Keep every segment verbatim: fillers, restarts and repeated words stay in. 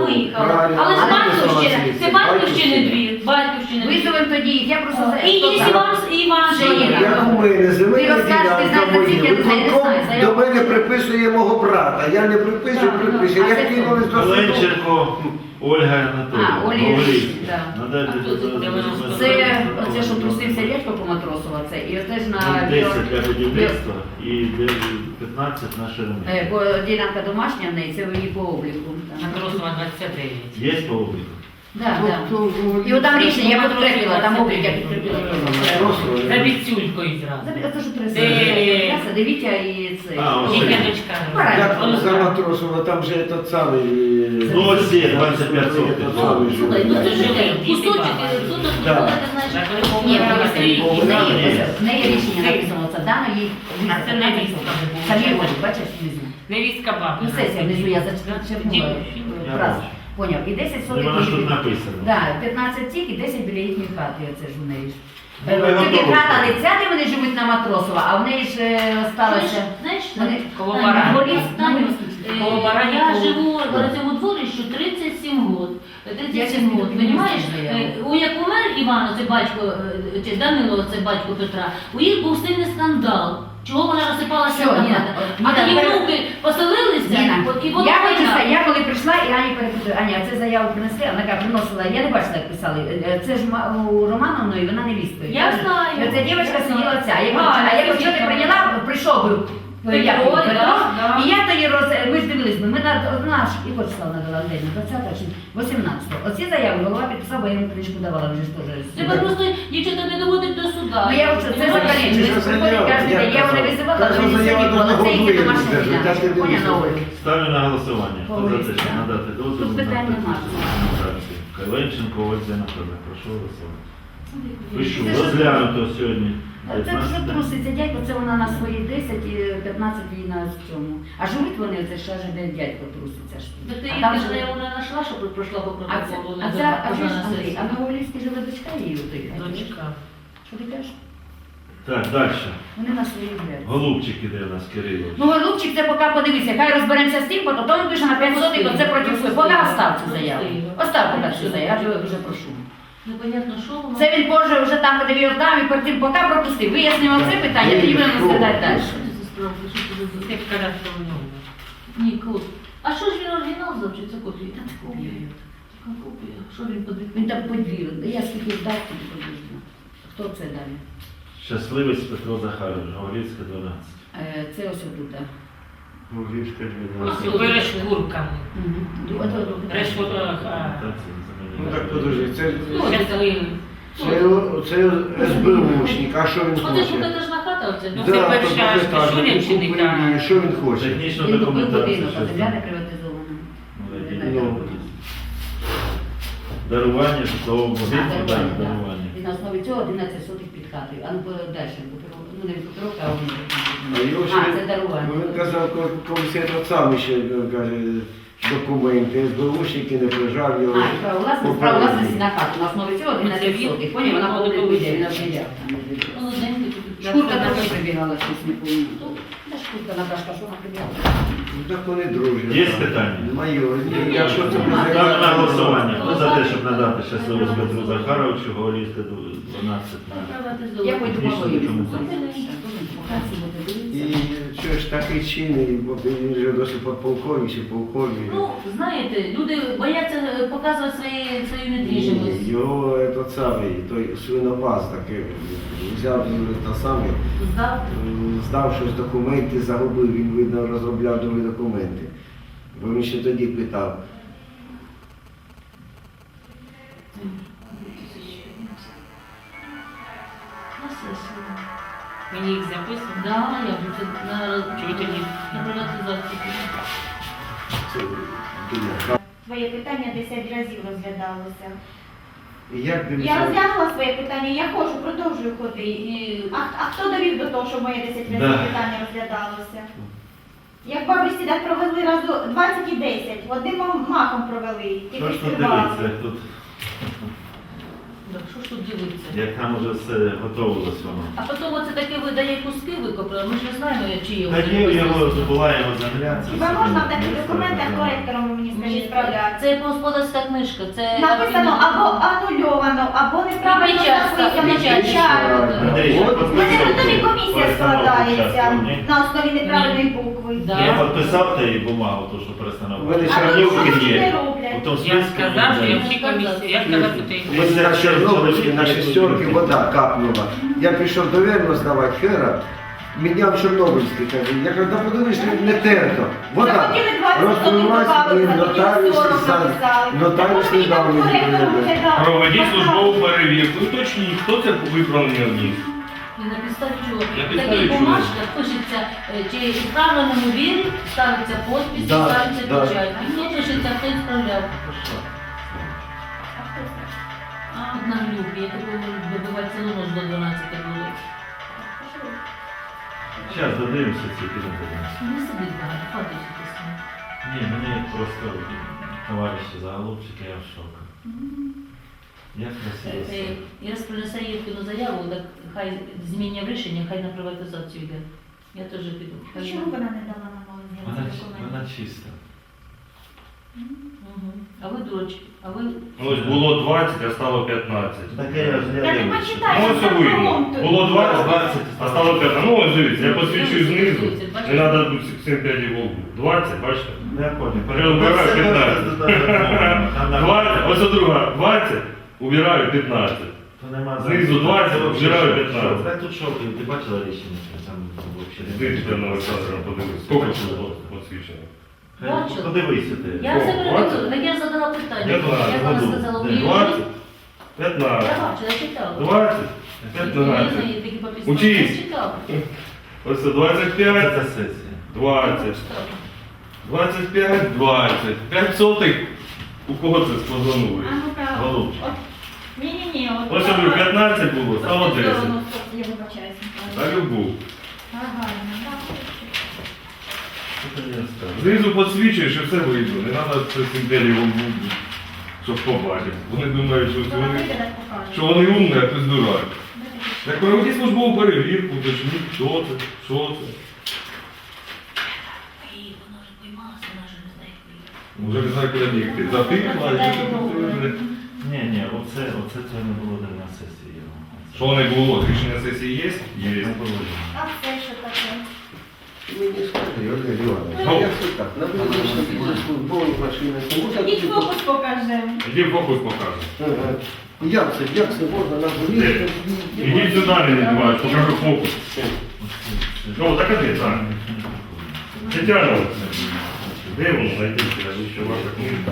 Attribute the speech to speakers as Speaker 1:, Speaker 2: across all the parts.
Speaker 1: вона виїхала. Але з батьківщини, це батьківщини двір, батьківщини двір.
Speaker 2: Визовемо тоді їх, я просто за...
Speaker 1: І є Іван, і Іван
Speaker 2: Ще є.
Speaker 3: Як у мене земельна
Speaker 2: Ти розкажеш, ти
Speaker 3: ділянка
Speaker 2: знаєш,
Speaker 3: моя,
Speaker 2: я не знаю, я не
Speaker 3: виконком
Speaker 2: знаю, заяву
Speaker 3: до мене
Speaker 2: приписує.
Speaker 3: приписує мого брата. Я не приписую,
Speaker 2: Так,
Speaker 3: приписую.
Speaker 2: а
Speaker 3: Я
Speaker 2: це
Speaker 3: кинули
Speaker 2: хто?
Speaker 3: до суду.
Speaker 4: Оленченко Ольга Анатоліївна.
Speaker 2: А, Олі
Speaker 4: Говоріть.
Speaker 2: Іринівна, да.
Speaker 4: Надайте
Speaker 1: А хто це?
Speaker 4: до-
Speaker 2: Це оце, що трусився річко по Матросова, це, і оце ж на...
Speaker 4: Ну, десять для будівництва і п'ятнадцять на ширину.
Speaker 2: Е, Бо ділянка домашня в неї, це в її по обліку.
Speaker 1: Матросова двадцять дев'ять.
Speaker 4: Є по обліку?
Speaker 2: Да, да. І от там рішення, я підкрепила, там облік, я підкрепила.
Speaker 1: За Віцюлькою зразу.
Speaker 2: Це ж три
Speaker 1: Де?
Speaker 2: сади. Дивіться і це.
Speaker 4: А, ось.
Speaker 1: Їхня дочка.
Speaker 3: Як
Speaker 2: Правильно.
Speaker 3: за Матросова, там же этот самий...
Speaker 4: Ну, ось є двадцять п'ять сотих.
Speaker 3: Этот самий же.
Speaker 1: Слухай, ну це ж кусочок, суток,
Speaker 3: Да.
Speaker 1: ти знаєш.
Speaker 2: Ні,
Speaker 1: Вона
Speaker 2: в неї-
Speaker 1: стоїть.
Speaker 2: в неї- в неї рішення написано, це дано їй.
Speaker 1: А це невістка.
Speaker 2: Самі ось, бачиш, внизу.
Speaker 1: Невістка баба.
Speaker 2: Ну, сесія внизу, я зачерпнула
Speaker 4: Я
Speaker 2: фразу.
Speaker 4: бачу.
Speaker 2: Поняв. І десять
Speaker 4: Ну,
Speaker 2: сотих.
Speaker 4: вона ж тут
Speaker 2: її-
Speaker 4: написано.
Speaker 2: Да, п'ятнадцять тік і десять біля їхньої хати, оце ж у неї ж.
Speaker 4: Ну, ви
Speaker 2: Е, Тільки
Speaker 4: готові.
Speaker 2: хата не ця, де вони живуть на Матросова, а в неї ж е, осталося.
Speaker 1: Знаєш,
Speaker 2: Вони-
Speaker 1: коло
Speaker 2: Таня,
Speaker 1: барані.
Speaker 2: горі-
Speaker 1: Таню,
Speaker 2: Е,
Speaker 1: коло барані,
Speaker 5: Я
Speaker 1: коло-
Speaker 5: живу на цьому дворищу тридцять сім років. тридцять сім
Speaker 2: Я
Speaker 5: років,
Speaker 2: не
Speaker 5: розумієш?
Speaker 2: знаю.
Speaker 5: У як умер Іван, це батько, е, чи Данило, це батько Петра, у їх був сильний скандал. Чого вона розсипалася
Speaker 2: Всьо,
Speaker 5: на
Speaker 2: Ніна,
Speaker 5: хата?
Speaker 2: от,
Speaker 5: А
Speaker 2: Ніна,
Speaker 5: тоді
Speaker 2: тепер-
Speaker 5: внуки поселилися,
Speaker 2: Ніна,
Speaker 5: і воно
Speaker 2: я хочу
Speaker 5: війна.
Speaker 2: сказати, я коли прийшла і Ані перепитую, Аня, це заяву принесли, вона каже, приносила, я не бачила, як писали, Е, це ж ма- у Романовної, вона не вістою.
Speaker 5: Я знаю.
Speaker 2: І оця дівчинка сиділа ця, я
Speaker 5: А,
Speaker 2: кажу, а я
Speaker 5: це
Speaker 2: кажу, що ти
Speaker 5: дівчинка.
Speaker 2: прийняла, прийшов би.
Speaker 5: Петро,
Speaker 2: як його,
Speaker 5: да,
Speaker 2: Петро,
Speaker 5: да.
Speaker 2: і я тоді роз... ми ж дивились, ми на наш, і хоч стала надала день, двадцятого чи вісімнадцятого. Оці заяви голова підписав, бо я йому книжку давала, вже ж теж.
Speaker 5: Тебе просто дівчата не доводить до суда.
Speaker 2: Ну я вже це
Speaker 5: Розумієш?
Speaker 2: закалічую, приходить кожен день, я його не визивала, але він сидів, але це її домашня ділянка, поня на Олю.
Speaker 4: Ставлю на голосування. Хто за те, щоб надати дозвіл
Speaker 2: Тут
Speaker 4: на
Speaker 2: питань нема.
Speaker 4: презентацію? Каленченко Ольга Анатоліївна. Прошу голосувати. Пишу,
Speaker 2: Це ж-
Speaker 4: розглянуто сьогодні.
Speaker 2: Це що
Speaker 4: п'ятнадцяте.
Speaker 2: труситься дядько, це вона на свої десять і п'ятнадцять їй на цьому. А живуть вони, це ще ж де дядько труситься. ж.
Speaker 5: Так ти
Speaker 2: А
Speaker 5: їх
Speaker 2: там
Speaker 5: не
Speaker 2: же-
Speaker 5: знаю, вона знайшла, що пройшла по
Speaker 2: А це,
Speaker 5: протоколу.
Speaker 2: а
Speaker 5: не
Speaker 2: це, а
Speaker 5: за-
Speaker 2: ви ж,
Speaker 5: на
Speaker 2: Андрій,
Speaker 5: сесії.
Speaker 2: а на Олівській живе дочка її у той.
Speaker 1: Дочка.
Speaker 2: Що ти кажеш?
Speaker 4: Так, далі.
Speaker 2: Вони на свої гуляють.
Speaker 4: Голубчик іде у нас, Кирило.
Speaker 2: Ну, Голубчик, це поки подивися, хай розберемося з тим, бо то він пише на п'ять сотих, оце проти всього. Поки остав цю заяву. Остав поки цю заяву, я тебе дуже прошу.
Speaker 5: Непонятно, що вона.
Speaker 2: Це він позже вже там, де він дав, і перед тим поки пропустив. Вияснимо це питання, тоді будемо розглядати далі.
Speaker 5: Що це за справа? Що це за
Speaker 1: Як казав, що в нього.
Speaker 5: Ні, код. А що ж він оригінал взяв, чи це копія? Та це копія. Така копія. Що він подвиг?
Speaker 2: Він там подвір'я. Я скільки дав, скільки подвір'я. Хто це далі?
Speaker 4: Щасливець Петро Захарович, Говорівська, дванадцять.
Speaker 2: Е, Це ось отут. так.
Speaker 3: Львівська
Speaker 1: Ось
Speaker 3: дванадцять.
Speaker 1: перешкурками.
Speaker 2: Мгм. Ду- ото тут.
Speaker 1: Перешкурка.
Speaker 3: Ну так подожди, це,
Speaker 1: Щасливий.
Speaker 3: це, це СБУшник, а що він
Speaker 5: Оце ж
Speaker 3: хоче?
Speaker 5: покатажна хата, оце.
Speaker 1: Ну,
Speaker 5: Да.
Speaker 1: це
Speaker 3: Да,
Speaker 1: перша
Speaker 3: то двохетажний,
Speaker 1: Шуринщини,
Speaker 3: купив
Speaker 1: так.
Speaker 3: її, що він хоче?
Speaker 4: Технічну
Speaker 2: Він купив
Speaker 4: документацію.
Speaker 2: будинок, а
Speaker 4: щас
Speaker 2: земля
Speaker 4: там.
Speaker 2: не приватизована.
Speaker 3: Ну.
Speaker 4: Дарування житлового
Speaker 2: А,
Speaker 4: будинку, так,
Speaker 2: дарування, так.
Speaker 4: дарування.
Speaker 2: І на основі цього одинадцять сотих під хатою. А ну далі, ну не Петровка, а
Speaker 3: А
Speaker 2: вони.
Speaker 3: його
Speaker 2: А,
Speaker 3: ще-
Speaker 2: це дарування.
Speaker 3: Ну, він казав, коли колись я сам ще каже, документи, СБУшники не прижав його.
Speaker 2: А, право власності, право власності на хату. На основі цього одинадцять сотих. Поняв, вона буде вийде, він обміряв.
Speaker 5: Молоденький тут.
Speaker 2: Шкурка теж прибігала, щось не помню. Та шкурка Наташка, що вона прибігала?
Speaker 3: Ну так вони дружні.
Speaker 4: Є
Speaker 3: так.
Speaker 4: питання?
Speaker 3: Майор, ні, якщо це
Speaker 4: Ставлю на голосування. Хто за те, щоб надати щасливець Петру Захаровичу, Говорівська, дванадцять. на-
Speaker 2: Я пойду
Speaker 4: Технічну
Speaker 2: мовою.
Speaker 4: документацію.
Speaker 3: І що ж такий чинний, бо він вже досить подполковник чи полковник.
Speaker 5: Ну, знаєте, люди бояться е, показувати свої, свою
Speaker 3: Ні,
Speaker 5: недвіжимость.
Speaker 3: його этот самий, той свинопас такий, взяв та саме,
Speaker 5: Здав.
Speaker 3: здав щось документи, загубив, він, видно, розробляв нові документи. Бо він ще тоді питав.
Speaker 5: На сесію.
Speaker 1: Мені їх записано.
Speaker 5: Да, я вже це на,
Speaker 1: Чого тоді?
Speaker 5: на приватизацію.
Speaker 3: Це, думав,
Speaker 6: Своє питання десять разів розглядалося.
Speaker 3: і як він
Speaker 6: Я
Speaker 3: це-
Speaker 6: розглянула своє питання, я ходжу, продовжую ходити. І- А, а хто довів до того, що моє десять разів
Speaker 4: Да.
Speaker 6: питання розглядалося? Як бабусі так провели разу двадцять і десять, одним махом провели,
Speaker 4: Що
Speaker 6: тільки
Speaker 4: ж тут
Speaker 6: співали.
Speaker 4: дивиться? Тут
Speaker 5: Так, що ж тут дивитися?
Speaker 4: Як там уже все готовилось воно.
Speaker 5: А потім оце таке видає куски викопали, ми ж не знаємо, чи його.
Speaker 4: Та є його, була його земля. це
Speaker 6: Хіба
Speaker 4: все
Speaker 6: можна в
Speaker 4: не
Speaker 6: таких
Speaker 4: виставляє.
Speaker 6: документах коректором, ви мені скажіть,
Speaker 5: Ні,
Speaker 6: справляти?
Speaker 5: це господарська книжка, це...
Speaker 6: Написано або анульовано, або неправильно
Speaker 5: І печать,
Speaker 6: написано,
Speaker 5: і печать.
Speaker 6: печать.
Speaker 4: Андрій,
Speaker 3: От.
Speaker 4: що
Speaker 6: У мене
Speaker 4: підписав
Speaker 6: тоді
Speaker 4: ти?
Speaker 6: комісія
Speaker 4: Перестановку
Speaker 6: складається
Speaker 4: частку, ні?
Speaker 6: на основі неправильної букви.
Speaker 5: Да.
Speaker 4: Я підписав та і бумагу, то, що перестановка.
Speaker 3: У мене
Speaker 6: А
Speaker 3: ще
Speaker 6: тут
Speaker 3: Чорнівки
Speaker 6: щось не
Speaker 4: є.
Speaker 6: роблять.
Speaker 4: У тому
Speaker 7: Я
Speaker 4: списку
Speaker 7: сказав, що я
Speaker 4: ні.
Speaker 7: всі комісії, я сказав, що ти.
Speaker 3: Ми на Чорнобильській, на шестерки вода капнула. Я пішов до Верну здавати хера, міняв Чорнобильський, каже, я кажу, да подивись, не терто. Вода
Speaker 6: Захотіли двадцять
Speaker 3: розпливлась і
Speaker 6: сотень
Speaker 3: нотаріус
Speaker 6: сорок
Speaker 3: сам,
Speaker 6: написали.
Speaker 3: нотаріус
Speaker 6: Тому
Speaker 3: не
Speaker 6: що
Speaker 3: дав
Speaker 6: там
Speaker 3: мені
Speaker 6: коректор
Speaker 3: перевірити.
Speaker 6: вже дав.
Speaker 8: Проведіть службову перевірку, уточніть, хто це виправлення вніс.
Speaker 5: І на підставі чого?
Speaker 8: На
Speaker 5: В
Speaker 8: підставі
Speaker 5: таких
Speaker 8: чого?
Speaker 5: бумажках пишеться, е, чи в правильному вірі, ставиться подпись,
Speaker 3: Да,
Speaker 5: ставиться
Speaker 3: да.
Speaker 5: печать. І хто пишеться, хто і справляв. А от на глюбі, я такого добивати цілу ніч до дванадцяти було.
Speaker 4: Зараз додивимося ці підемо.
Speaker 5: Не сидить багато, хватить писати.
Speaker 4: Ні, мені просто товариші заголовчики, я в шоку. Як красиво
Speaker 5: Е,
Speaker 4: все.
Speaker 5: е, Я принесе Євкину заяву, так хай змінює рішення, хай на приватизацію йде. Я теж піду.
Speaker 6: А чому вона не дала нам
Speaker 4: Вона,
Speaker 6: ці
Speaker 4: ч-
Speaker 6: документи?
Speaker 4: вона чиста.
Speaker 5: Мгм. А ви дурочки, а ви...
Speaker 8: Ось було двадцять, а стало п'ятнадцять.
Speaker 4: Таке я ж
Speaker 6: Я
Speaker 4: не
Speaker 6: не
Speaker 4: дивлюся.
Speaker 6: почитаю.
Speaker 8: Ну ось і видно. Було двадцять,
Speaker 4: двадцять,
Speaker 8: а стало п'ятнадцять. Ну ось дивіться, я посвідчую знизу. Не треба тут сім п'ять волку. двадцять, бачите?
Speaker 4: Не понял.
Speaker 8: Я убираю п'ятнадцять. двадцять, ось друга, двадцять, убираю п'ятнадцять.
Speaker 4: То нема
Speaker 8: Знизу двадцять, вжираю п'ятнадцять.
Speaker 4: Так тут шок, ти бачила рішення? Там взагалі.
Speaker 8: Дивіться на Олександра, подивись. Скільки було посвідчено?
Speaker 5: Бачила.
Speaker 4: Подивися ти.
Speaker 5: Я все
Speaker 8: О,
Speaker 5: переведу,
Speaker 8: двадцять?
Speaker 5: так я задала питання.
Speaker 8: П'ятнадцять,
Speaker 5: Як вона
Speaker 4: году.
Speaker 5: сказала, у
Speaker 4: Де,
Speaker 5: її
Speaker 8: двадцять,
Speaker 5: Я
Speaker 8: п'ятнадцять,
Speaker 5: бачила, я читала.
Speaker 8: двадцять,
Speaker 5: Я
Speaker 8: п'ятнадцять.
Speaker 5: такі по підставі
Speaker 8: Учись.
Speaker 5: читала.
Speaker 8: Ось це двадцять
Speaker 4: Це
Speaker 8: п'ять,
Speaker 4: та сесія.
Speaker 8: двадцять, двадцять п'ять, двадцять. п'ять сотих. У кого це спозонули?
Speaker 6: А ну-ка.
Speaker 4: Голубчик.
Speaker 6: От. Ні-ні-ні. от
Speaker 8: Ось
Speaker 6: така-
Speaker 8: я говорю, п'ятнадцять було, стало
Speaker 6: Стоп,
Speaker 8: десять.
Speaker 6: стоп, Я вибачаюся.
Speaker 8: На любу.
Speaker 6: Ага, ну, так.
Speaker 4: Що ти мені розказуєш?
Speaker 8: Знизу підсвічуєш і все видно. Не треба це симпелію волбу, щоб побачити. Вони думають, що
Speaker 6: Вона
Speaker 8: вони,
Speaker 6: вийде, так покаже.
Speaker 8: що вони умні, а ти дурак. Так проведіть службову перевірку, уточніть, хто це, що це.
Speaker 5: Ей, вона вже поймалася, вона вже не знає, як виїхати.
Speaker 8: Вже не знаю, куди бігти. Затихла, і що ти
Speaker 4: Ні, ні, оце, оце це не було на сесії.
Speaker 8: Що не було? Рішення сесії є? Є.
Speaker 4: Не було.
Speaker 6: А це що таке?
Speaker 3: Мені скажи, Олег Іванович,
Speaker 8: Ну.
Speaker 3: як це так? На вулиці службові машини, це можна
Speaker 6: Ідіть
Speaker 3: тут-
Speaker 6: фокус покажемо.
Speaker 8: Іди фокус покажу.
Speaker 3: Ага. Як це, як це можна на вулиці?
Speaker 8: Ідіть сюди, не відбуваєш, покажу фокус. Ну, так а де, так? Тетяна Олексійовна, де воно знайти, що ваша книжка?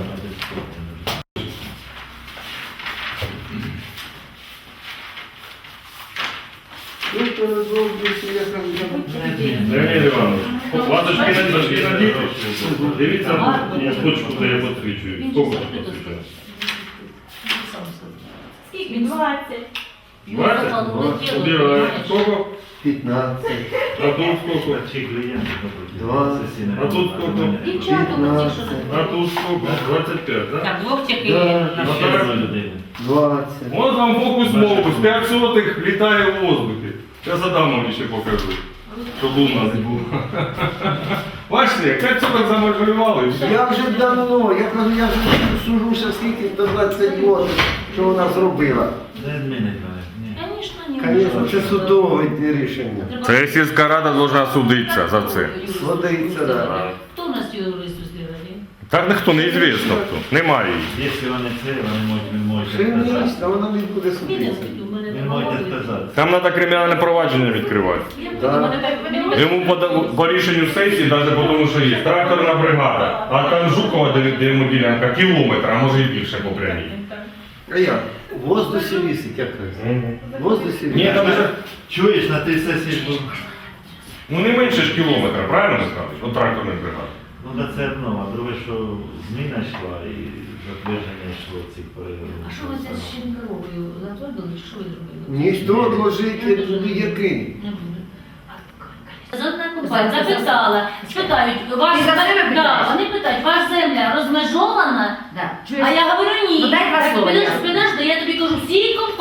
Speaker 3: Ну, то розроблюється, я кажу,
Speaker 8: Леонід Іванович, ваточки на дошки на діти. Дивіться, я точку, де я посвічую.
Speaker 5: Він
Speaker 8: Скільки
Speaker 5: чисто
Speaker 8: тут
Speaker 5: тут
Speaker 8: посвічую?
Speaker 5: Він сам сказав.
Speaker 6: Скільки? двадцять.
Speaker 5: Його
Speaker 8: двадцять?
Speaker 5: запалили тіло,
Speaker 8: Убираю.
Speaker 5: понимаєш?
Speaker 8: Сколько?
Speaker 3: п'ятнадцять,
Speaker 8: А тут сколько?
Speaker 4: Чи клієнти
Speaker 3: Двадцять.
Speaker 4: сесійне.
Speaker 8: А тут скільки?
Speaker 5: Дівчата, оці, що
Speaker 8: А тут сколько? двадцять п'ять, так?
Speaker 7: Так, двох тільки
Speaker 3: Да.
Speaker 7: є.
Speaker 8: Ну,
Speaker 4: Ще
Speaker 8: так.
Speaker 4: одна людина.
Speaker 3: двадцять.
Speaker 8: Ось вам фокус-мокус, п'ять сотих літає в воздухі. Я задам вам ще покажу, щоб у нас було. Бачите, п'ять сотих замалювали. і все.
Speaker 3: Я вже давно, я кажу, я вже сужуся скільки до двадцять років, що вона зробила.
Speaker 4: Не змінить мене. Ні.
Speaker 5: Звісно, ні.
Speaker 3: Звісно, це судове рішення.
Speaker 8: Це сільська рада повинна судитися за це.
Speaker 3: Судиться, да.
Speaker 5: Хто у нас юрист у сільраді?
Speaker 8: Так ніхто не звісно хто. Немає її.
Speaker 4: Якщо вони це, вони можуть, він може
Speaker 3: Ще не
Speaker 4: сказати.
Speaker 3: а вона не буде
Speaker 5: Піде,
Speaker 3: судитися.
Speaker 5: у мене
Speaker 4: Він може сказати.
Speaker 8: Там треба кримінальне провадження відкривати.
Speaker 3: Да.
Speaker 8: Йому по, по рішенню сесії, навіть по тому, що є тракторна бригада, а там Жукова, де, де йому ділянка, кілометр, а може і більше по прямій.
Speaker 3: А як? В воздусі вісить, як кажуть. В воздусі
Speaker 8: Ні,
Speaker 3: вісить.
Speaker 8: там же,
Speaker 4: Чуєш, на тій сесії ж був.
Speaker 8: ну не менше ж кілометра, правильно скажеш? От тракторної бригади.
Speaker 4: Ну, да це одно, а друге, що зміна йшла і затвердження йшло цих переговорів.
Speaker 5: А що ви це з Щенковою затвердили, чи що ви зробили?
Speaker 3: Ніхто відложити який.
Speaker 5: Не буде. Одна компанія запитала, спитають, ваш
Speaker 2: Ти за себе
Speaker 5: да,
Speaker 2: питаєш?
Speaker 5: вони питають, ваша земля розмежована?
Speaker 2: Да.
Speaker 5: А я говорю ні.
Speaker 2: Ну, дай два
Speaker 5: Так,
Speaker 2: слова,
Speaker 5: підеш-
Speaker 2: я.
Speaker 5: підеш, де я тобі кажу, всі компанії.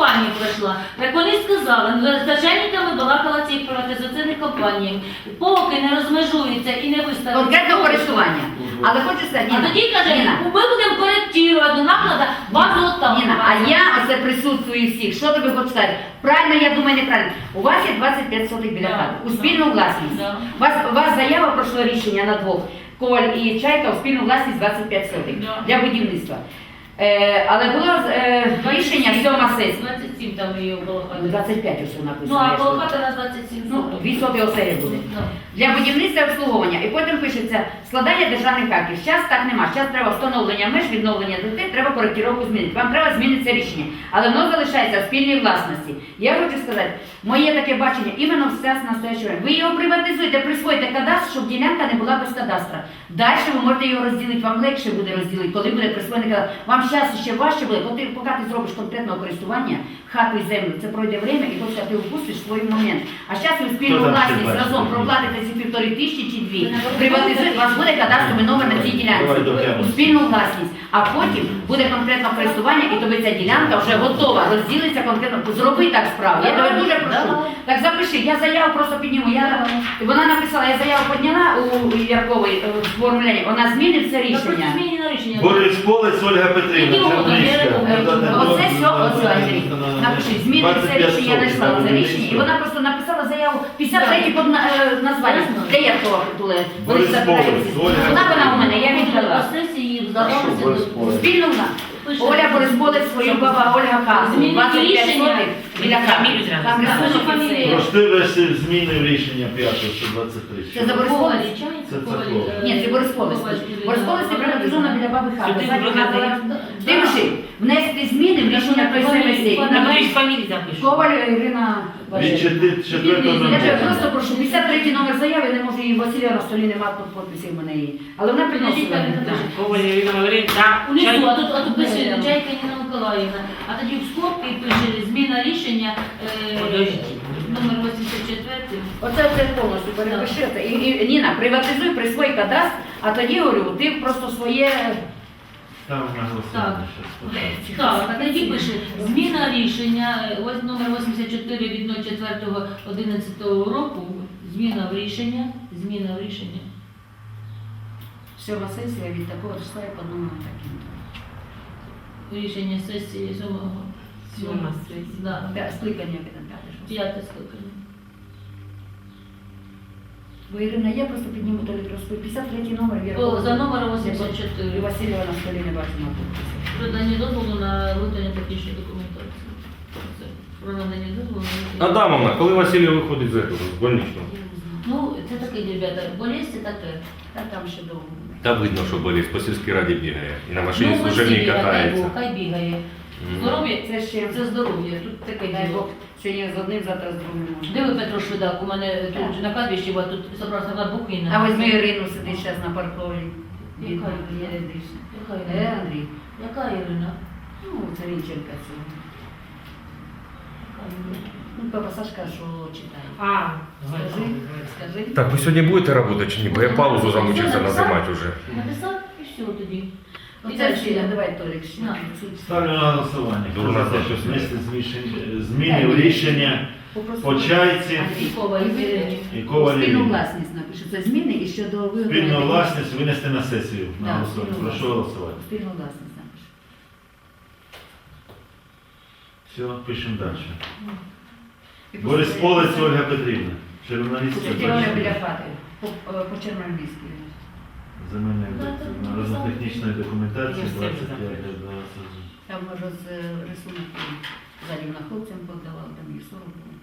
Speaker 5: йшла. Так вони сказали, ну, з начальниками балакала цих приватизаційних компаній, поки не розмежується і не виставить.
Speaker 2: Конкретно користування. Але хочу сказати,
Speaker 5: А
Speaker 2: Ніна,
Speaker 5: тоді каже,
Speaker 2: Ніна,
Speaker 5: ми будемо коректувати до накладу базу отам.
Speaker 2: Ніна, а я оце присутствую всіх. Що тобі хочу сказати? Правильно, я думаю, неправильно. У вас є двадцять п'ять сотих біля
Speaker 5: Да,
Speaker 2: хати. У
Speaker 5: да.
Speaker 2: спільну власність.
Speaker 5: Да.
Speaker 2: У вас, у вас заява пройшло рішення на двох. Коваль і Чайка у спільну власність двадцять п'ять сотих
Speaker 5: Да.
Speaker 2: для будівництва. Е, але було е, рішення сьома сесія.
Speaker 5: двадцять сім там її було.
Speaker 2: двадцять п'ять усе написано.
Speaker 5: Ну, а
Speaker 2: я ж
Speaker 5: коло
Speaker 2: кажу.
Speaker 5: хати на двадцять сім.
Speaker 2: Ну, дві соти оселі буде.
Speaker 5: Ну.
Speaker 2: Для будівництва і обслуговування. І потім пишеться складання державних актів. Зараз так нема. Зараз треба встановлення меж, відновлення дітей, треба коректировку змінити. Вам треба змінити це рішення. Але воно залишається в спільній власності. Я хочу сказати, моє таке бачення, іменно все з настоящого. Ви його приватизуєте, присвоїте кадастр, щоб ділянка не була без кадастра. Далі ви можете його розділити, вам легше буде розділити, коли буде присвоєний кадастр. Вам зараз ще важче буде, поки поки ти зробиш конкретного користування, хату і землю, це пройде время, і потім ти впустиш свій момент. А зараз ви спільну
Speaker 4: Хто там ще
Speaker 2: власність
Speaker 4: бачить?
Speaker 2: разом проплатите ці півтори тисячі чи дві, приватизуєте, у вас буде кадастровий номер на цій ділянці,
Speaker 4: Давай дотягнемо.
Speaker 2: у спільну власність, а потім буде конкретне користування, і тобі ця ділянка вже готова, розділиться конкретно. Зроби так справу. Я тебе дуже прошу. Так запиши, я заяву просто підніму. Я, вона написала, я заяву підняла у Яркової е, в формулярі, вона змінить це рішення.
Speaker 5: Змінено рішення.
Speaker 4: Борис Полець, Ольга Петрівна,
Speaker 5: Які
Speaker 4: Черничка.
Speaker 2: Е, Оце все, оце, Андрій. Напиши, змінить це рішення, я знайшла це рішення. І вона просто написала заяву п'ятдесят третій під на- е, названням. Де я то були?
Speaker 4: Борис Полець, Ольга.
Speaker 2: Вона вона у мене, я віддала.
Speaker 5: Сесії
Speaker 3: Хорошо, Борис
Speaker 5: вдалося.
Speaker 3: Полець.
Speaker 2: Спільно вона. Оля Борисполець, свою баба Ольга Казу.
Speaker 5: Змінить
Speaker 2: двадцять п'ять
Speaker 5: рішення.
Speaker 2: сотих біля
Speaker 1: Фамілію
Speaker 2: Казу.
Speaker 1: зразу.
Speaker 2: Там
Speaker 5: Наша
Speaker 2: рисунок і
Speaker 5: фамілія.
Speaker 2: все.
Speaker 4: Проштивиш змінив рішення п'ятого сто двадцять три.
Speaker 2: Це за Борисполець?
Speaker 4: Це Церкова.
Speaker 2: Ні, це Борисполець. Борисполець це приватизована біля баби Хати.
Speaker 1: Сюди
Speaker 2: Задня
Speaker 1: вроде
Speaker 2: хата. Дивиши, внести зміни в рішення той сесії.
Speaker 1: Давай фамілію запишемо.
Speaker 2: Коваль Ірина
Speaker 4: Від
Speaker 2: Васильівна.
Speaker 4: четвертого
Speaker 2: Я тебе
Speaker 4: номера.
Speaker 2: просто прошу, п'ятдесят третій номер заяви, не можу її Василя на столі, немає тут підписів в мене її. Але вона приносила.
Speaker 1: Коваль Ірина Валеріївна.
Speaker 5: Унизу, а тут, а тут пише Чайка Ніна Миколаївна. А тоді в скобки пише зміна рішення е,
Speaker 1: Подождіть.
Speaker 5: номер вісімдесят четвертий.
Speaker 2: Оце це повністю перепиши. це. І, і, Ніна, приватизуй, присвой кадастр, а тоді, говорю, ти просто своє...
Speaker 4: Там на голосування щас.
Speaker 5: Так, а тоді пише зміна рішення е, ось номер вісімдесят чотири від ноль чотири одинадцятого року. Зміна в рішення, зміна в рішення.
Speaker 2: Сьома сесія від такого числа і по номеру таким.
Speaker 5: Рішення сесії сьомого.
Speaker 1: Сьома сесія.
Speaker 5: Да.
Speaker 2: П'я- Скликання підемо п'яте. шосте.
Speaker 5: П'яте скликання.
Speaker 2: Бо Ірина, я просто підніму то літроску. п'ятдесят третій номер
Speaker 5: О,
Speaker 2: Віркового.
Speaker 5: за номером
Speaker 2: І
Speaker 5: вісімдесят чотири.
Speaker 2: Васильєва на столі не бачимо тут.
Speaker 5: Про надання дозволу на виготовлення технічної документації. Це про надання дозволу на виготовлення.
Speaker 8: Адамовна, коли Василій виходить з этого, з больничного?
Speaker 5: Ну, це таке, ребята, болезнь це таке.
Speaker 2: Та там ще довго.
Speaker 7: Та видно, що болить, по сільській раді бігає. І на машині
Speaker 5: Ну,
Speaker 7: служебній
Speaker 5: Василія, дай
Speaker 7: катається.
Speaker 5: Бог, хай бігає.
Speaker 7: Мгм.
Speaker 5: Здоров'я,
Speaker 2: Це ще,
Speaker 5: це здоров'я, тут таке
Speaker 2: дай
Speaker 5: діло.
Speaker 2: Бог, сьогодні з одним, завтра з другим. може.
Speaker 5: Диви, Петро Швидак, у мене тут на кладбищі, бо тут собрався на Бухина.
Speaker 2: А візьми Ірину, сидить зараз на паркові.
Speaker 5: Яка
Speaker 2: Бідна,
Speaker 5: Ірина?
Speaker 2: не дишне.
Speaker 5: Яка
Speaker 2: Е,
Speaker 5: Ірина?
Speaker 2: Андрій?
Speaker 5: Яка Ірина?
Speaker 2: Ну, це Рінченка цього.
Speaker 5: Яка Ірина?
Speaker 2: Ну, папа Сашка, що читає.
Speaker 1: А,
Speaker 2: Скажи, скажи.
Speaker 7: Так, ви сьогодні будете працювати чи ні? Бо я паузу замучився назимати вже.
Speaker 5: Написав і все тоді.
Speaker 2: Оце ще, давай, Толік, ще.
Speaker 5: На.
Speaker 4: Ставлю на голосування. Хто
Speaker 7: Дурна
Speaker 4: за те, що
Speaker 7: запись.
Speaker 4: внести змішень- зміни в рішення
Speaker 2: Попросив.
Speaker 4: по чайці
Speaker 2: Андрій,
Speaker 5: Кова і Ірина.
Speaker 4: і Коваль
Speaker 2: Спільну
Speaker 4: Ірини.
Speaker 2: власність напишу. Це зміни і щодо виготовлення.
Speaker 4: Спільну власність винести на сесію на
Speaker 2: Да,
Speaker 4: голосування.
Speaker 2: спільну
Speaker 4: Прошу
Speaker 2: власність.
Speaker 4: голосувати.
Speaker 2: Спільну власність напишу.
Speaker 4: Все, пишемо далі.
Speaker 2: І
Speaker 4: Борис
Speaker 2: просто-
Speaker 4: Полець, Ольга Петрівна. Журналістка.
Speaker 2: Це теорія біля хати. По, е, по Черноморській.
Speaker 4: Земельної народно-технічної документації
Speaker 1: Я все
Speaker 4: двадцять
Speaker 1: вже
Speaker 4: п'ять двадцять.
Speaker 2: Там може з е, рисунок ззаді на хлопцям подавали, там їх сорок було.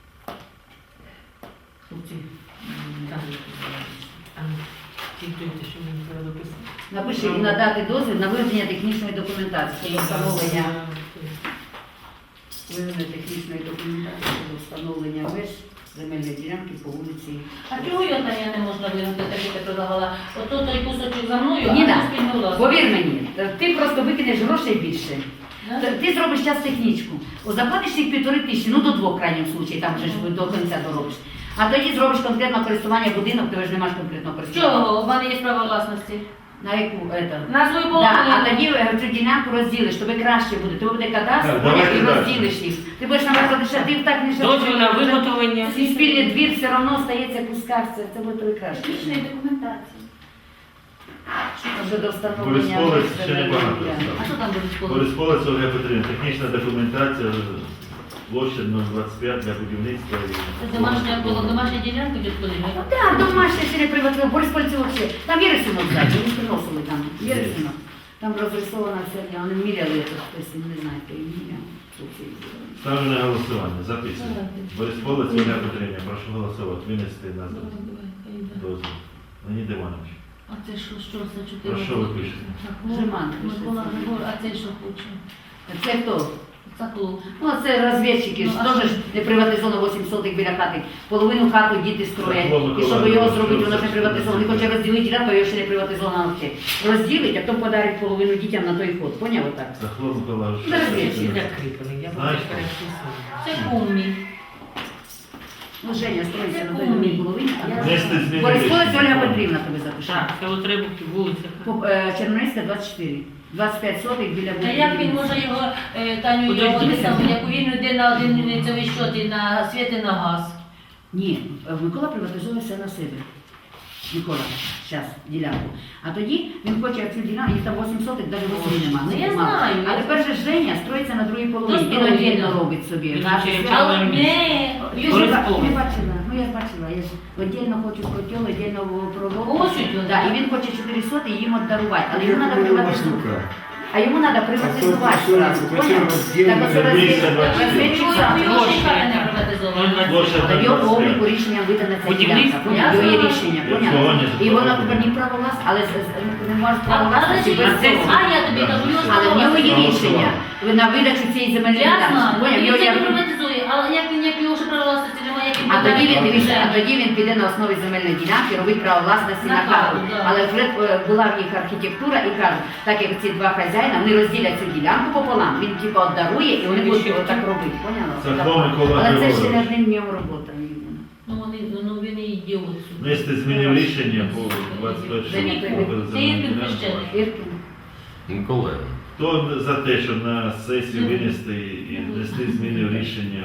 Speaker 2: Хлопці. м,
Speaker 1: Так. Там фільтруйте, що мені треба дописати.
Speaker 2: Напиши і надати дозвіл на виведення технічної документації щодо встановлення виведення технічної документації щодо встановлення меж земельної ділянки по вулиці.
Speaker 5: А чого я там я не можна вигнати, так як я предлагала? Ото той кусочок за мною, а
Speaker 2: Ніна,
Speaker 5: не спільну власність.
Speaker 2: повір мені, ти просто викинеш грошей більше.
Speaker 5: Да?
Speaker 2: Т- Ти зробиш час технічку. О, заплатиш їх півтори тисячі, ну до двох в крайньому случаї, там вже ж до кінця доробиш. А тоді зробиш конкретне користування будинок, ти ж не маєш конкретного користування.
Speaker 5: Чого? У мене є право власності.
Speaker 2: На яку это?
Speaker 1: На свою
Speaker 2: Да,
Speaker 1: половину.
Speaker 2: а тоді е, цю ділянку розділиш, тобі краще буде. Тобі буде кадастр,
Speaker 4: Так,
Speaker 2: поняв,
Speaker 4: давайте
Speaker 2: і
Speaker 4: далі.
Speaker 2: розділиш їх. Ти будеш, наприклад, ще ти так не
Speaker 5: Дозвіл на виготовлення.
Speaker 2: Цей спільний двір все одно стається кускавця, це буде тобі краще.
Speaker 6: Технічної документації.
Speaker 2: Вже до встановлення.
Speaker 4: Борисполець ще не багато
Speaker 5: А що
Speaker 4: стало.
Speaker 5: там буде школа?
Speaker 4: Борисполець Ольга Петрівна, технічна документація, площа нуль двадцять п'ять для будівництва. і-
Speaker 5: Це домашня коло домашня ділянка дід Поліна.
Speaker 2: Так, домашня ще не приватизована. Бориспольці взагалі. Там є рисунок, кстати, вони приносили там. Є рисунок. Там розрисована вся, вони міряли це хтось, не знаю, хто їм міряв.
Speaker 4: Ставлю на голосування. Записуємо. Борисполець Ольга Петрівна, прошу голосувати. Винести на дозвіл. Леонід Іванович.
Speaker 5: А це що, що це чотири?
Speaker 4: Про що ви пишете?
Speaker 2: Жеман пише.
Speaker 5: Микола Григор, а це що хоче?
Speaker 2: Це хто?
Speaker 5: Це клуб.
Speaker 2: Ну, це розвідчики, ж
Speaker 5: Ну, а
Speaker 2: теж
Speaker 5: що?
Speaker 2: не приватизовано вісім сотих біля хати. Половину хату діти строять.
Speaker 4: Так, Микола
Speaker 2: І щоб його
Speaker 4: Григорович,
Speaker 2: зробити, воно ж
Speaker 4: що
Speaker 2: не
Speaker 4: це?
Speaker 2: приватизовано. Він хоче розділити ділянку, його ще не приватизовано взагалі. Розділить, а потім подарить половину дітям на той ход. Поняв отак?
Speaker 4: Захлоп Миколаївич.
Speaker 2: Ну, розвідчик.
Speaker 4: Знаєш,
Speaker 5: Це кум мій.
Speaker 2: Ну, Женя строїться на
Speaker 5: Це
Speaker 2: той
Speaker 5: кумі.
Speaker 2: другій половині.
Speaker 4: Внести зміни
Speaker 2: Борисполець
Speaker 4: рішення.
Speaker 2: Ольга Петрівна тобі запише.
Speaker 5: Так, це от Рибухів, вулиця.
Speaker 2: По- е, Чернорізька двадцять чотири. двадцять п'ять сотих біля
Speaker 5: Та як він може його, е, Таню, Подожди,
Speaker 2: ну,
Speaker 5: його
Speaker 2: дивися.
Speaker 5: те саме, як він йде на один ліцевий щот і на світ і на газ.
Speaker 2: Ні, е, Микола приватизує все на себе. Микола, зараз, ділянку. А тоді він хоче цю ділянку, їх там вісім сотих, навіть восьми нема.
Speaker 5: Ну,
Speaker 2: не
Speaker 5: я
Speaker 2: мало.
Speaker 5: знаю,
Speaker 2: А
Speaker 5: я
Speaker 2: тепер же Женя строїться на другій половині. Він
Speaker 5: строїть,
Speaker 2: віддільно
Speaker 5: да.
Speaker 2: робить собі.
Speaker 5: Він
Speaker 2: Газ,
Speaker 5: ще й
Speaker 2: світ.
Speaker 5: Але Але ні.
Speaker 2: Я ж
Speaker 5: Борисполець.
Speaker 2: не бачила, ну я ж бачила, я ж віддільно хочу котел, віддільно проводку.
Speaker 5: Хочуть,
Speaker 2: Да, і він хоче чотири соти їм віддарувати, але йому треба приватизувати.
Speaker 3: штука.
Speaker 2: А йому треба приватизувати
Speaker 3: А то
Speaker 2: сразу,
Speaker 3: що,
Speaker 2: поняв?
Speaker 3: роздільно,
Speaker 2: Так оце
Speaker 4: роздільно,
Speaker 2: розвідчик- розвідчик сам.
Speaker 5: Його ще й хата не приватизована.
Speaker 4: Площа
Speaker 2: Але в його по
Speaker 4: двадцять
Speaker 2: обліку
Speaker 4: п'ять.
Speaker 2: рішення видана ця
Speaker 5: Будівництво.
Speaker 2: ділянка. Поняв? Його є
Speaker 5: Я
Speaker 2: рішення,
Speaker 4: знаю.
Speaker 2: поняв?
Speaker 4: Цього не
Speaker 2: І воно
Speaker 4: зробили.
Speaker 2: тепер не право власне, але з- з- не може
Speaker 5: А,
Speaker 2: право
Speaker 5: але
Speaker 2: власності
Speaker 5: ж
Speaker 2: без
Speaker 5: це,
Speaker 2: цього.
Speaker 5: а я тобі кажу, його
Speaker 2: Але в нього є
Speaker 4: Право
Speaker 2: рішення на видачу цієї земельної
Speaker 5: Я
Speaker 2: ділянки.
Speaker 5: знаю,
Speaker 2: Поняв?
Speaker 5: він
Speaker 2: Його
Speaker 5: це
Speaker 2: є-
Speaker 5: не приватизує, але як він, як його ще право власності немає, як він
Speaker 2: А тоді він
Speaker 5: подає
Speaker 2: дивіться, а
Speaker 5: землю?
Speaker 2: тоді він піде на основі земельної ділянки, робить право власності
Speaker 5: На
Speaker 2: на хату.
Speaker 5: хату, да.
Speaker 2: Але вже е, була в їх архітектура і кажуть, так як ці два хазяїна, вони розділять цю ділянку пополам. Він типу отдарує і вони будуть отак робити. Поняла?
Speaker 4: Це хто Микола
Speaker 2: Але це ще не
Speaker 4: Григорович?
Speaker 2: одним днем робота.
Speaker 5: Ну, вони, ну, він і ідіот.
Speaker 4: Внести змінив рішення по двадцять
Speaker 5: Женя,
Speaker 4: першому
Speaker 5: це є підхрещений.
Speaker 2: Іркін.
Speaker 7: Микола.
Speaker 4: Хто за те, щоб на сесію винести і внести зміни в рішення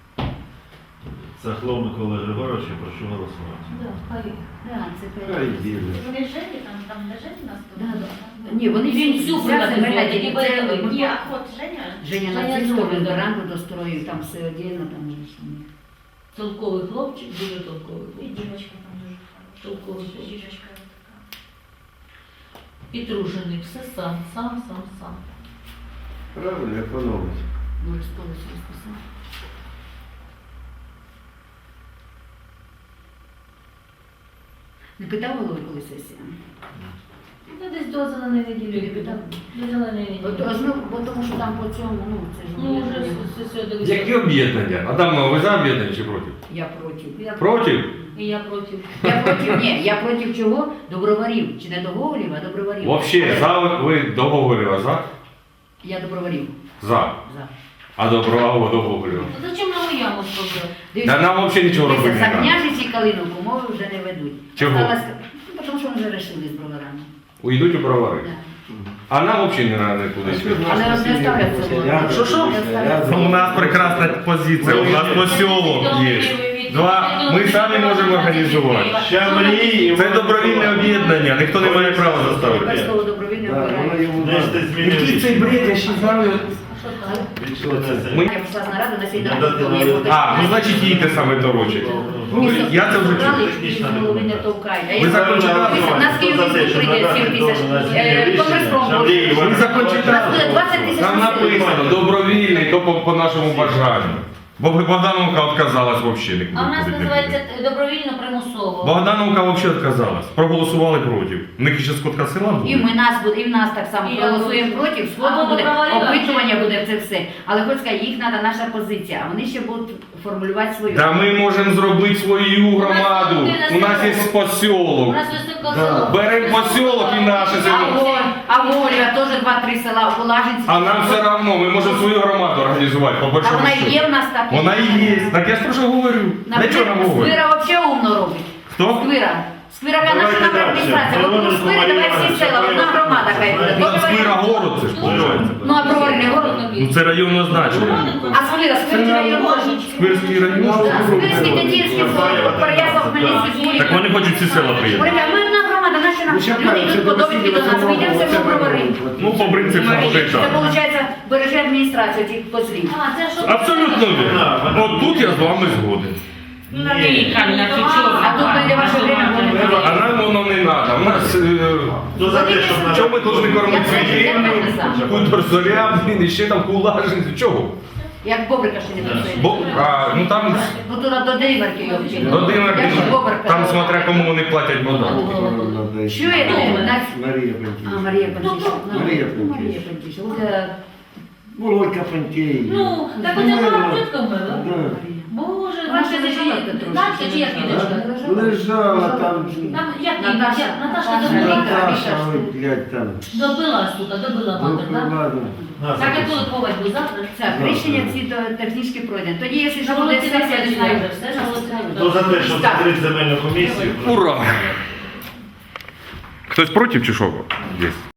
Speaker 4: Сахло Миколи Григоровича, прошу голосувати.
Speaker 5: Да, хай.
Speaker 2: Да, це
Speaker 3: Хай
Speaker 2: п'ять.
Speaker 3: діло.
Speaker 6: Вони жені там, там де жені нас
Speaker 2: Да,
Speaker 6: тут?
Speaker 2: да. Ні, вони
Speaker 5: Він
Speaker 2: всі
Speaker 5: всю
Speaker 2: вся
Speaker 5: приватизує,
Speaker 2: земельна
Speaker 5: тільки
Speaker 2: ділянка. Це
Speaker 5: поэтому-
Speaker 6: Ні, а от Женя.
Speaker 2: Женя на
Speaker 5: Женя
Speaker 2: цій
Speaker 5: зробить,
Speaker 2: стороні
Speaker 5: да.
Speaker 2: веранду достроїв, там все одягно, там же ж.
Speaker 5: Толковий хлопчик, дуже толковий
Speaker 6: І
Speaker 5: хлопчик.
Speaker 6: дівчинка там дуже хороша.
Speaker 5: Толковий хлопчик.
Speaker 6: Жіночка така.
Speaker 5: Підружений, все сам, сам, сам, сам.
Speaker 3: Правильно, економить.
Speaker 2: Може, сполос розписав. Не питав голови, коли сесія?
Speaker 5: Ну, десь до зеленої неділі.
Speaker 2: Не питав?
Speaker 5: До зеленої
Speaker 2: От,
Speaker 5: неділі.
Speaker 2: ну, бо тому що там по цьому, ну, це ж
Speaker 5: Ну, вже
Speaker 2: об'єднання.
Speaker 5: все, все, дивися.
Speaker 7: Які об'єднання? Адамо, ви за об'єднання чи проти?
Speaker 2: Я проти.
Speaker 5: Я
Speaker 7: Проти?
Speaker 5: І я проти.
Speaker 2: Я проти, ні, я проти чого? Доброварів. Чи не договорів, а доброварів.
Speaker 7: Вообще, за ви договорила за?
Speaker 2: Я доброварів.
Speaker 7: За.
Speaker 2: За.
Speaker 7: А добрового договорила.
Speaker 5: Ну, зачем нам і яму зробили?
Speaker 7: Та нам взагалі нічого робити
Speaker 2: Дивіться,
Speaker 7: не
Speaker 2: за
Speaker 7: треба.
Speaker 2: княжиці і Калиновку мови вже не ведуть.
Speaker 7: Чого?
Speaker 2: Осталось- Ну, тому що вони вже вирішили з броварами.
Speaker 7: Уйдуть у бровари.
Speaker 2: Да.
Speaker 7: А нам взагалі не треба нікуди.
Speaker 2: Але не ставлять це.
Speaker 7: Що, що? У нас прекрасна позиція, у нас посілок є. Два, ми самі можемо організувати.
Speaker 4: Щавлі,
Speaker 7: Це добровільне об'єднання, ніхто не має права заставити.
Speaker 2: Тепер слово добровільне
Speaker 3: Да, воно
Speaker 2: вибирає.
Speaker 3: йому
Speaker 4: Внести
Speaker 3: надо.
Speaker 4: зміни в
Speaker 3: Який цей
Speaker 4: рішення.
Speaker 3: бред, я ще знаю.
Speaker 7: Ми-
Speaker 2: Я пішла з наради на сьогодні.
Speaker 4: Надати
Speaker 2: ранку, я
Speaker 4: на-
Speaker 2: буду-
Speaker 7: А, ну значить їй те саме доручить.
Speaker 2: Ні,
Speaker 7: Я це вже
Speaker 2: собрали,
Speaker 7: чув.
Speaker 2: і з голови не товкають. А
Speaker 7: Ви
Speaker 2: я-
Speaker 7: закон читали?
Speaker 2: Дивіться, нас Київ
Speaker 4: Хто за те, щоб
Speaker 2: прийде
Speaker 4: надати
Speaker 2: сім тисяч.
Speaker 4: дозвіл на зміни
Speaker 2: Е,
Speaker 4: рішення?
Speaker 2: Комерцпром
Speaker 4: Шавлі
Speaker 2: може.
Speaker 4: Іван
Speaker 7: Ви закон
Speaker 2: У нас
Speaker 7: читали?
Speaker 2: буде двадцять тисяч.
Speaker 7: Там написано добровільний, то по, по нашому бажанню. Бо Богдановка відказалась взагалі.
Speaker 5: А в нас називається добровільно примусово.
Speaker 7: Богдановка взагалі відказалась. Проголосували проти. У них ще скотка села
Speaker 2: І
Speaker 7: буде.
Speaker 2: ми нас буде, і в нас так само
Speaker 5: І
Speaker 2: проголосуємо
Speaker 5: я
Speaker 2: проти,
Speaker 5: Або
Speaker 2: сходу буде,
Speaker 5: добровольно,
Speaker 2: опитування
Speaker 5: чи-
Speaker 2: буде це все. Але хоч сказати, їх треба наша позиція, а вони ще будуть формулювати свою.
Speaker 7: Та ми можемо зробити свою громаду. У нас є
Speaker 5: У
Speaker 7: посілок.
Speaker 5: нас високо
Speaker 3: Да.
Speaker 5: село.
Speaker 7: Беремо посілок і наше
Speaker 2: А
Speaker 7: село.
Speaker 2: Воль, а Вольва теж два-три села, Волажинці.
Speaker 7: А нам все одно, ми можемо свою громаду організувати, по
Speaker 2: А
Speaker 7: большому
Speaker 2: вона
Speaker 7: счету.
Speaker 2: є в нас так.
Speaker 7: Вона і є. Так я ж про що говорю. Для чого нам говорю?
Speaker 2: Сквира взагалі умно робить.
Speaker 7: Хто?
Speaker 2: Сквира. Сквирака наша
Speaker 4: Давайте
Speaker 2: наша
Speaker 4: далі.
Speaker 2: адміністрація. От у Сквирі давай всі села, одна громада хай буде.
Speaker 7: Там Сквира город це ж, виходить.
Speaker 2: Ну а провольний город.
Speaker 7: Ну це районне значення.
Speaker 2: А Сквира, Сквирський район.
Speaker 7: Сквирський район.
Speaker 2: Сквирський, Тетіївський, Переяслав, Хмельницький,
Speaker 7: Так вони хочуть всі села приєднати.
Speaker 2: Говорять, ми одна громада, наші
Speaker 3: Ну,
Speaker 2: нам
Speaker 3: ще
Speaker 2: люди
Speaker 3: кажуть,
Speaker 2: йдуть
Speaker 3: що
Speaker 2: по
Speaker 3: до
Speaker 2: довідки до нас, ми йдемо все одно проговоримо.
Speaker 7: Ну, по принципу, вже
Speaker 2: Це
Speaker 7: так.
Speaker 2: виходить, береже адміністрація цих козлів.
Speaker 5: А, це що?
Speaker 7: Абсолютно вірно. От тут я з вами згоден.
Speaker 5: Ні, Каміна, ти чого?
Speaker 2: А тут прийде ваше время, буде
Speaker 7: А
Speaker 2: проверити.
Speaker 7: нам воно не треба. У нас е,
Speaker 4: Хто за те, щоб на...
Speaker 7: чого ми повинні кормити
Speaker 2: Я це
Speaker 7: свій
Speaker 2: не знаю.
Speaker 7: хутор зоря, блін, і ще там кулажин. Чого?
Speaker 2: Як бобрика ще не працює.
Speaker 7: Бо, а, ну там
Speaker 2: Ну туди до Димарки його вчили.
Speaker 7: до Димарки,
Speaker 2: Як бобрика.
Speaker 7: там смотря кому вони платять податки.
Speaker 2: Чуєте? Нас-
Speaker 3: Марія
Speaker 2: А,
Speaker 3: Пантійська.
Speaker 2: Марія Пантіша. Ну,
Speaker 3: Марія
Speaker 2: ну,
Speaker 3: Пантіша.
Speaker 2: Марія Пантіша. От, е,
Speaker 3: Володька Пантій.
Speaker 5: Ну, так оце мама чітко вмила.
Speaker 3: Да.
Speaker 5: Боже,
Speaker 2: Вона
Speaker 5: ваша
Speaker 2: ще
Speaker 5: дочка,
Speaker 2: лежала трошки.
Speaker 5: Настя чи як її дочка?
Speaker 3: Лежала там.
Speaker 5: Там, як її,
Speaker 2: Наташа.
Speaker 5: як- Наташа
Speaker 2: Наташа.
Speaker 5: добила,
Speaker 3: Наташа, ой, блядь, там.
Speaker 5: добила, сука, добила мати, так?
Speaker 3: Ладно.
Speaker 5: Так, як коли ховать був завтра?
Speaker 2: Так, рішення ці до- технічні пройдені. Тоді, якщо що
Speaker 5: На
Speaker 2: буде
Speaker 5: вулиці
Speaker 2: сесія,
Speaker 5: Васильівська
Speaker 2: не знаю.
Speaker 5: вже все, на вулиці
Speaker 4: Хто за те, щоб закрити земельну комісію?
Speaker 7: Ура! Хтось проти чи що? Є.